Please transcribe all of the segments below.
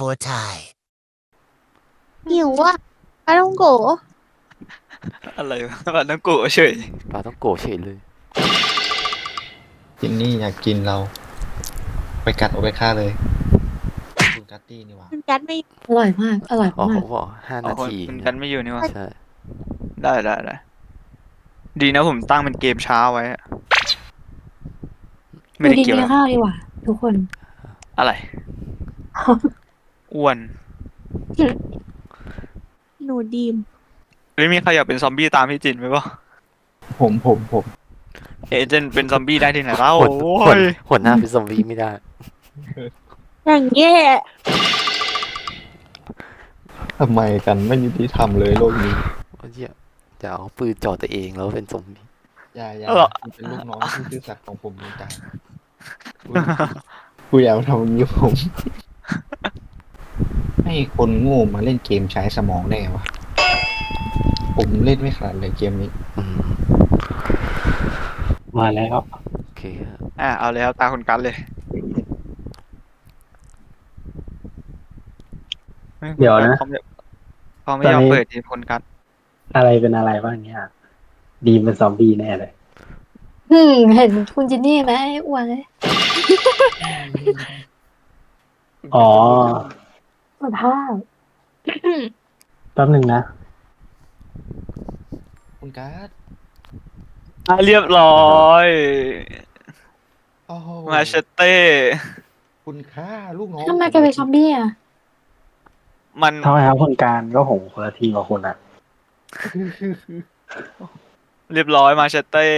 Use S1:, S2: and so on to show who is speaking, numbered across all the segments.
S1: for Thai
S2: หิวอ่ะปลาต้องโกะ
S3: อะไรวะบัตรน้ำโกะเฉย
S4: ปลาต้องโกะเฉยเลย
S5: จินนี่อยากกินเรา ไปกัดเอาไปฆ่าเลยคุณกัตตี้นี่หว่า
S2: มันกัดไม่
S6: อร่อยมากอร่อย
S4: อ๋อ
S6: มา
S4: เขา
S6: ก
S4: บอกห้า
S3: อ๋อ
S4: นา
S3: คน
S4: ที
S3: คุณ
S4: เนี่
S3: กั
S4: ย
S3: นไม่อยู่นี่วะ
S4: ใช่
S3: ได้ดีนะผมตั้งเป็นเกมช้าไว้อะไม่
S6: ดู
S3: ได้
S6: ดี
S3: เกี่ยว
S6: กิน
S3: แล้ว
S6: ข้าวดีกว่าทุกคน
S3: อะไร อ้วน
S2: หนูดีม
S3: หรือมีใครอยากเป็นซอมบี้ตามพี่จินไหมวะ
S5: ผม
S3: เอเจนต์เป็นซอมบี้ได้ที่ไหนเล่า
S4: หัว
S3: โอ้
S4: หัวย หัวหน้าเป็นซอมบี้ไม่ได้
S2: อย่างแย่
S5: ทำไมกันไม่ยุติธรรมเลยโลกนี้
S4: ว่าจะเอาปืนจ่อตัวเองแล้วเป็นซอมบี้
S5: อย่าคุณเป็นลูกน้องที่ซื่อสัตย์ของผมเหมือนกันกูอยากทำอย่างนี้ผม ให้คนโง่มาเล่นเกมใช้สมองได้ไงวะ ผมเล่นไม่ขนาดเลยเกมนี้
S4: อืม
S7: มาแล้ว
S4: โอเคครับ
S3: เอาเลยครับตาคุณกันเลย
S7: เดี๋ยวนะ
S3: เขาไม่ยอมเปิดทีคุณกัน
S7: อะไรเป็นอะไรบ้างเนี่ยดีมเป็นซอมบี้แน่เลย
S6: เห็นคุณจินนี่ไหมอ้วนเลย
S7: อ๋อ
S6: สภาพ
S7: แป๊บหนึ่งนะ
S5: คุณการ์ด
S3: เรียบร้อย
S5: โอ้โห
S3: มาเชเต้
S5: คุณฆ่าลูกน้อง
S6: ทำไมแกเป็นซอมบี้อ่ะ
S3: มัน
S7: ทำไมครับคนการก็ผมคนละทีมกับคุณอ่ะ
S3: เรียบร้อยมาเชเต้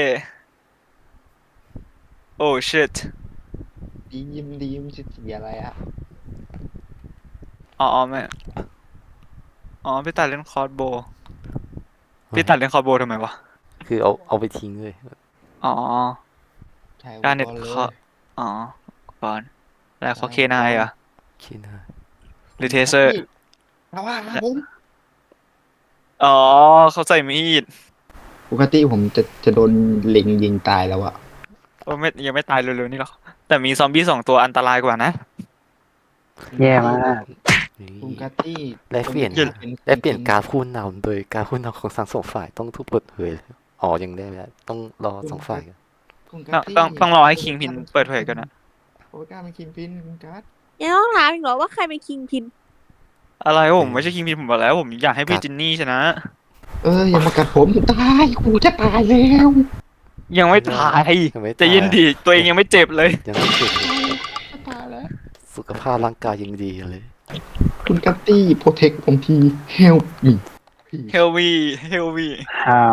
S3: โอ้ชิต
S5: ดีมจะเสียอะไรอะ
S3: อ๋อไม่อ๋อพี่ตัดเล่นคอร์สโบว์พี่ตัดเล่นคอร์สโบว์ทำไมวะ
S4: คือเอาไปทิ้งเลย
S3: อ๋อ
S5: ใช่
S3: การเน็ต
S5: อุปกรณ์เลย
S3: เคาะอ๋อก่อนแล้วเขาเคนายอ่ะ
S4: คิดนะ
S3: หรือเทเซอร์
S5: เอาว่าผม
S3: อ๋อเขาใส่มีด
S5: ปกติผมจะโดนเล็งยิงตายแล้วอะ
S3: โอ้ไม่ยังไม่ตายเร็วๆนี่หรอกแต่มีซอมบี้2 ตัวอันตรายกว่านะ
S7: แย่มาก
S4: นี่
S5: คุณกัตตี้
S4: ได้เปลี่ยน ได้เปลี่ยนการผู้นำโดยการผู้นำของทั้งสองฝ่ายต้องถูกเปิดเผยอ๋อยังได้ไหมต้องรอสองฝ่ายกัน
S5: คุณ
S3: ต้
S5: กั
S3: อง
S5: ตตี้
S3: ต้องรอให้คิงพินเปิดเผยกันนะ
S5: โอเมก้าเป็นคิงพินคุณกัต
S2: ยังต้องถามอีกเหรอว่าใครเป็นคิงพิน
S3: อะไรผมไม่ใช่คิงพินผมบอกแล้ว ผมอยากให้พี่จินนี่ชนะ
S5: อย่ามากัดผมตายกูจะตายแล้ว
S3: ยังไม่ตาย
S4: ยังไม่
S3: ใจะยินดีตัวเองยังไม่เจ็บเลย
S4: ยังไม่เจ็บเลย
S5: จะตายแล้ว
S4: สุขภาพร่างกายยังดีอยู่เลย
S5: คุณกัตตี้โปรเทคผมที help me
S3: เฮลวีเฮลวี
S7: ฮาว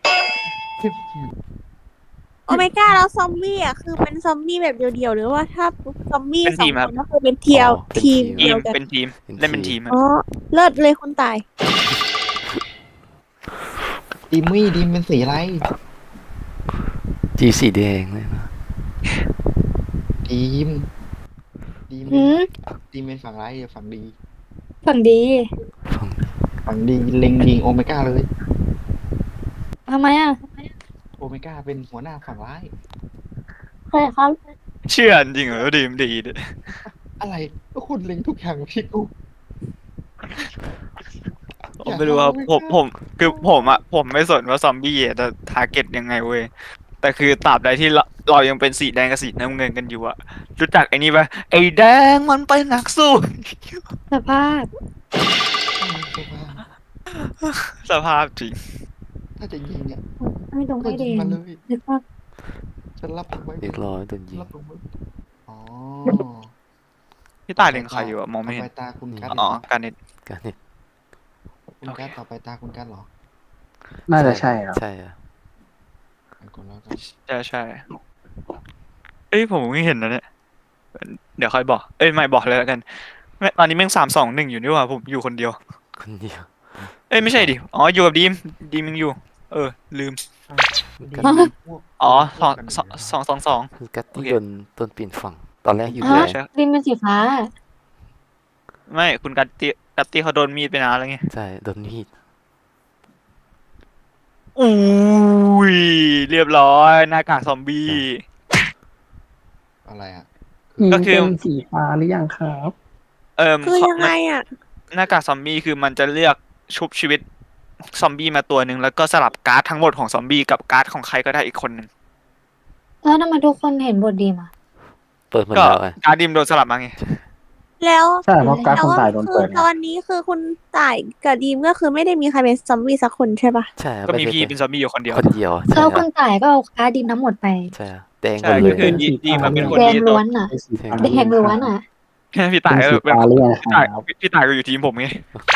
S2: โอเมก้าแล้วซอมบี้อ่ะคือเป็นซอมบี้แบบเดียวๆหรือว่าถ้าซอมบี้สองคนก็คือเป็นเทียว
S4: อ๋อเป็น
S2: ทีม
S4: ที
S2: เดียวกัน
S3: เป็นทีม
S4: เป็นทีม
S3: เล่นเป็นทีมอะ
S2: อ๋อเลิศเลยคนตาย
S5: ดีมเป็นสีอะไร
S4: จีสีแดงเลยนะ
S5: ดีม
S6: หืม
S5: ดีมเป็นฝั่งไรายฝั่งดี
S6: ฝั่งดี
S4: ฟัง
S5: ฝั่งดีเล็งยิงโอเมก้าเลย
S6: ทำไมอ่ะ
S5: โอเมก้าเป็นหัวหน้าฝั่งร้าย
S6: ใครครับ
S3: เชื่อจริงเหรอดีมดีดิ
S5: อะไรก็คุณเล็งทุกอย่างพี่กู
S3: ผมไม่รู้ครับผมคือผมไม่สนว่าซอมบี้จะทาร์เก็ตยังไงเว้ยแต่คือตราบใดที่เรายังเป็นสีแดงกับสีน้ำเงินกันอยู่อะรู้จักไอ้นี่ปะไอ้แดงมันเป็นนักสู้
S6: สภาพ
S3: สภาพจริง
S5: ถ้าจะยิงเนี่ย
S6: ไม่ตรง
S5: ก็
S6: ไม่แด
S5: ยิง
S6: ง
S5: มาเลย
S6: นึกว่า
S5: ฉันรับผมไว้
S4: เรียบร้อยโดนยิง
S5: รับผมไว้อ๋อ
S3: พี่ตายเล็งใครอยู่อะมองไม่เห็น
S5: ต่อไปตาคุณกัด
S3: อ๋อการเน็ต
S4: การเนี่ย
S5: คุณกัดต่อไปตาคุณกัดเหรอ
S7: น่าจะใช่ครับ
S4: ใช่อะ
S5: ไปก่อนแล้วกัน
S3: ใช่เอ้ยผมไม่เห็นนะเนี่ยเดี๋ยวค่อยบอกเอ้ยไม่บอกเลยแล้วกันตอนนี้แม่ง3-2-1อยู่นี่หว่าผมอยู่คนเดียว
S4: คนเดียว
S3: เอ้ยไม่ใช่ดิอ๋ออยู่กับดีมยังอยู่ลืม
S4: กัต
S5: พวก
S3: อ๋อ
S5: พวกกันยู่แล้ว
S3: 2-2
S4: คือกัตตี้
S3: โอเค
S4: โดนเปลี่ยนฝั่งตอนแรกอยู่
S6: ฮะ
S4: แดง
S3: ใช่
S6: ดินเป็นสีฟ้า
S3: ไม่คุณกัตตี้เขาโดนมีดไปนานแล้วไง
S4: ใช่โดนมีด
S3: อุ้ยเรียบร้อยหน้ากากซอมบี้
S5: อะไรอ่ะ
S3: ก็คือ
S7: เป็นสีฟ้าหรือยังครับ
S2: คือยังไงอ่ะ
S3: หน้ากากซอมบี้คือมันจะเลือกชุบชีวิตซอมบี้มาตัวหนึ่งแล้วก็สลับการ์ดทั้งหมดของซอมบี้กับการ์ดของใครก็ได้อีกคนหนึ่ง
S6: แล้วทำไมทุกคนเห็นบทดีมา
S4: เปิดหมด
S3: ก็
S4: แล้วไง
S3: การ์ดดิมโดนสลับมาไง
S2: แล้ว
S7: ใช่เพราะการดคนตายโดน
S2: คื
S7: เปิ
S2: อ
S7: ดไง
S2: ตอนนี้คือคุณต่ายกับดีมก็คือไม่ได้มีใครเป็นซอมบี้สักคนใช่ปะ
S4: ใช่ครับ
S3: ก็มี
S4: ไใช่
S3: พี่เป็นซอมบี้อยู่คนเดียว
S4: คนเดียวใช่
S6: แล้ว
S4: ค
S6: คุ
S4: รับ
S6: ณต่ายก็เอาการ์ดดินทั้งหมดไป
S4: ใช่ครับแดงหม
S3: ใช่
S4: ดเล
S3: ก็
S4: ย
S3: คือดีมันเป็นคน
S6: แดง
S3: ที่
S6: ล้วนอ่ะ
S7: ไอ้สีฟ้า
S6: แดงล้วนอ่ะ
S3: พี่ต่าย
S7: เป็น
S3: ก็
S7: สี
S3: เป็น
S7: ฟ้าเรียก
S3: พี่ต่าย
S7: ครับ
S3: พี่ต่ายก็อยู่ทีมผมไง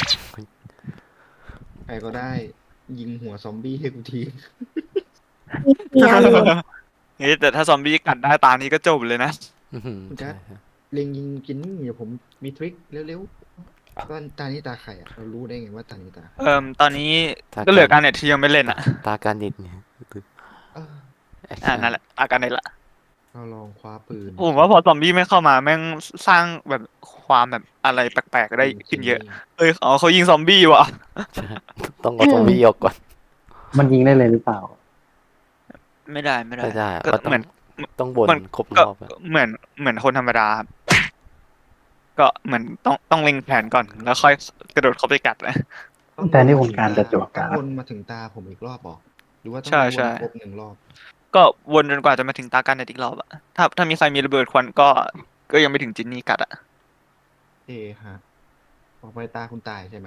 S5: ใครก็ได้ยิงหัวซอมบี้ให้กูที
S2: มีอายุ
S3: เฮ้ยแต่ถ้าซอมบี้กัดได้ตานี้ก็จบเลยนะ
S4: อื้อหือใช่ครับ
S5: เล็งยิงกินนี่เดี๋ยวผมมีทริคเร็วๆตานี้ตาใครอ่ะเรารู้ได้ไงว่าตานี้ตา
S3: ตอนนี้ก็เหลือการเน็ตที่ยังไม่เล่นอ่ะ
S4: ตาการนิดเนี่ย
S5: เออ
S3: นั่นแหละอาการเน็ตละ
S5: เราลองคว้าปืน
S3: ผมว่าพอซอมบี้ไม่เข้ามาแม่งสร้างแบบความแบบอะไรแปลกๆได้ขึ้นเยอะเขายิงซอมบี้ว่ะ
S4: ใช่ต้องเอาซอมบี้ออกก่อน
S7: มันยิงได้เลยหรือเปล่า
S3: ไม่ได้
S4: ไม่ได้อะ
S3: ก็
S4: มัน
S3: เหมือน
S4: ต้องบน
S3: มัน
S4: ครบร
S3: ก็
S4: อบอะ
S3: เหมือนคนธรรมดาครับก็เหมือนต้องเล็งแผนก่อนแล้วค่อยกระโดดเข้าไปกัดนะ
S7: แต่นี่ผมการจะจวก
S5: ต้
S7: กา
S5: อง
S7: ร
S5: วนมาถึงตาผมอีกรอบบอกหรือว่าต้อง
S3: ใช่
S5: วน
S3: ใช่
S5: ครบ1 รอบ
S3: ก็วนจนกว่าจะมาถึงตากันเน็ตอีกรอบอะถ้ามีใครมีระเบิดควันก็ยังไม่ถึงจินนี่กัดอะ
S5: เอฮะออกไปตาคุณตายใช่ไหม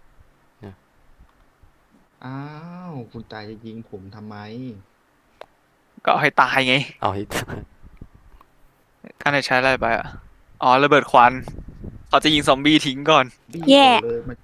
S5: อ้าวคุณตายจะยิงผมทำไม
S3: ก็เอาให้ตายไง
S4: เอาให้
S3: การเน็ตใช้อะไรไปอะอ๋อระเบิดควันเขาจะยิงซอมบี้ทิ้งก่อน
S5: บี้
S2: แย่
S5: เลยมัน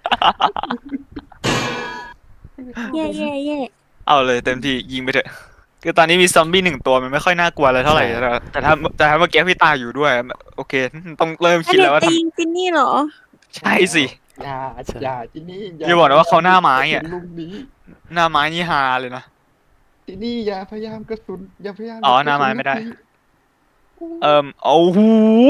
S2: เย่เย่เย่
S3: เอาเลยเต็มที่ยิงไปเถอะคือตอนนี้มีซอมบี้1 ตัวมันไม่ค่อยน่ากลัวอะไรเท่าไหร่แต่ถ้าเมื่อกี้พี่ตาอยู่ด้วยโอเคต้องเริ่ม
S2: อัน
S3: คิด
S2: เด็
S3: แล้
S2: ก
S3: วว่า
S2: จะ
S3: ท
S2: ยิงจินนี่เหรอ
S3: ำใช่สิ
S5: อย่าที่นี่
S3: อย่าบอกนะว่าเขาหน้าไม้อะ
S5: ลุงนี้
S3: หน้าไม้นี่ฮาเลยนะ
S5: ที่นี่อย่าพยายามกระสุนอย่าพยายาม
S3: อ๋อก
S5: ระสุ
S3: หน้าไม้ไม่ได้
S5: ลูกนี้
S3: โอ้โห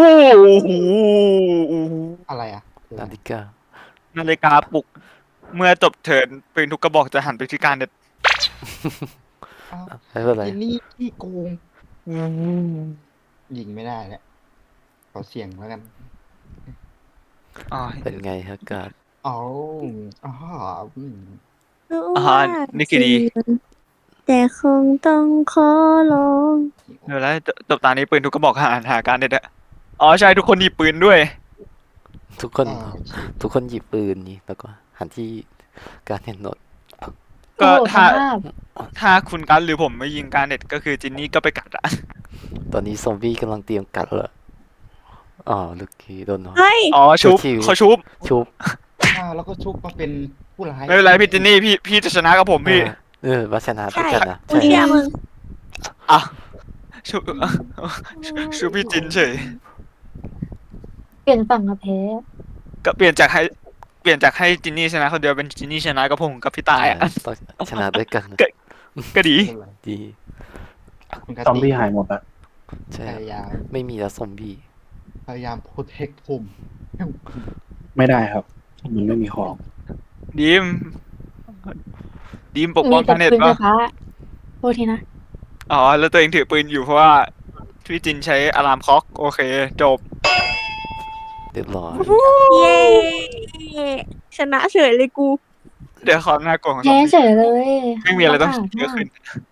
S5: อะไรอ่ะ
S4: นาฬิกา
S3: นาฬิกาปลุก เมื่อจบเทิร์นปืนทุกกระบอกจะหันไปที่การเน็ต
S5: อ้าว
S4: ไม่เป็นไร
S5: ที่นี่ที่โกงยิงไม่ได้แล้วขอเสี่ยงแล้วกัน
S3: อ๋อ
S4: เป็นไงฮะการ์ด
S5: อ๋ออ๋ออืม
S2: รู้
S3: อ่า
S2: ว่า
S3: นี่คือดี
S2: แต่คงต้องขอลอง
S3: เดี๋ยวแล้วจบตานี้ปืนทุกกระบอกหาการเน็ตอะอ๋อใช่ทุกคนหยิบปืนด้วย
S4: ทุกคน
S5: อ้าวชิบ
S4: ทุกคนหยิบปืนนี่แล้วก็หันที่การเห็นโนด
S3: ก็
S6: โอ้โห
S3: ถ้า
S6: สภาพ
S3: ถ้าคุณกันหรือผมไม่ยิงการเน็ตก็คือจินนี่ก็ไปกัดอะ
S4: ตอนนี้ซอมบี้กำลังเตรียมกัดเลยอ๋อลูกกี้โดนเนาะ
S2: เฮ้ย
S3: อ๋อชุบ
S4: ชิวๆ
S3: เขาชุบ
S4: ชุบ
S5: อ้าวแล้วก็ชุบมาเป็นผู้ร้าย
S3: ไม่เป็นไรพี่จินนี่พี่จะชนะกับผมพี่
S4: วัชนะด้วย
S2: ใช่
S4: กันนะ
S2: กูเชื่อมึง
S3: อ่ะชุบชุบพี่จินเฉย
S6: เปลี่ยนฝั่งกับแพ้
S3: ก็เปลี่ยนจากให้จินนี่ชนะคนเดียวเป็นจินนี่ชนะกับผมกับพี่ตายอ่ะ
S4: ต้องชนะด้วยกัน
S3: ก็ดี
S5: ไม่เป็นไร
S4: ดี
S5: คุณกติ
S7: ซอมบี้หายหมดอะ
S4: ใช่
S5: พยายาม
S4: ไม่มีแล้วซอมบี้
S5: พยายามโปรเทคผม
S7: ไม่ได้ครับ มันไม่มีของ
S3: ดีมปก
S6: มี
S3: ป้อง
S6: แต่
S3: การเน็ต
S6: ปืนไฟ
S3: ปะ
S6: ฟ้าโทษทีนะ
S3: อ๋อแล้วตัวเองถือปืนอยู่เพราะว่าพี่จินใช้อะลามคล็อกโอเคจบ
S4: เรียบร้อย
S2: เย่ชนะเฉยเลยกู
S3: เดี๋ยวความน่ากลัวของซอ
S6: แพ้
S3: มบี้
S6: เฉยเลย
S3: ไม่มีอะไรต้อง
S6: ลำบาก
S3: เยอะขึ้น
S6: มาก